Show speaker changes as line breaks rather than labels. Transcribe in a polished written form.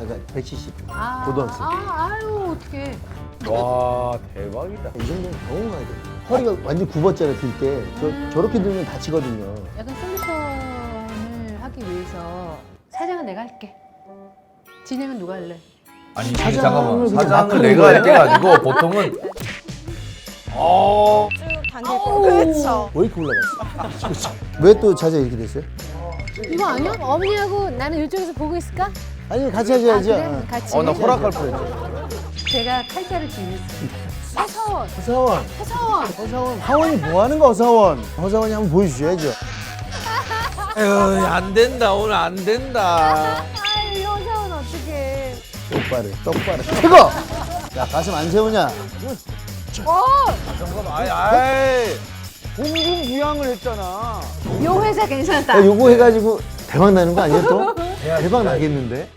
약간 170.
아,
고등학생.
아유 어떡해.
와 대박이다.
이 정도면 병원 가야 돼. 허리가 완전 굽었잖아요, 들 때. 저렇게 들면 다치거든요.
약간 솔루션을 하기 위해서 사장은 내가 할게. 진행은 누가 할래?
아니 이게
사장을
잠깐만
그냥
사장을
막
내가
하는
할 때가 아니고 보통은
쭉 당기고. 그렇죠.
왜 이렇게 올라갔어? 왜 또 자세 이렇게 됐어요?
이거 아니야? 어머니하고 나는 이쪽에서 보고 있을까?
아니, 같이 하셔야죠.
그래? 같이.
나 허락할 뻔했죠.
제가 칼자를 지냈습니다. 허사원,
허사원.
허사원.
허사원. 하원이 뭐 하는 거, 허사원? 허사원이 한번 보여주셔야죠.
에휴 안 된다 오늘 안 된다.
아유, 허사원 어떡해.
똑바로. 최고! 야, 가슴 안 세우냐?
잠깐만 아이
공중부양을 했잖아.
요 회사 괜찮다.
야, 요거 해가지고 대박 나는 거 아니야, 또? 대박 나겠는데?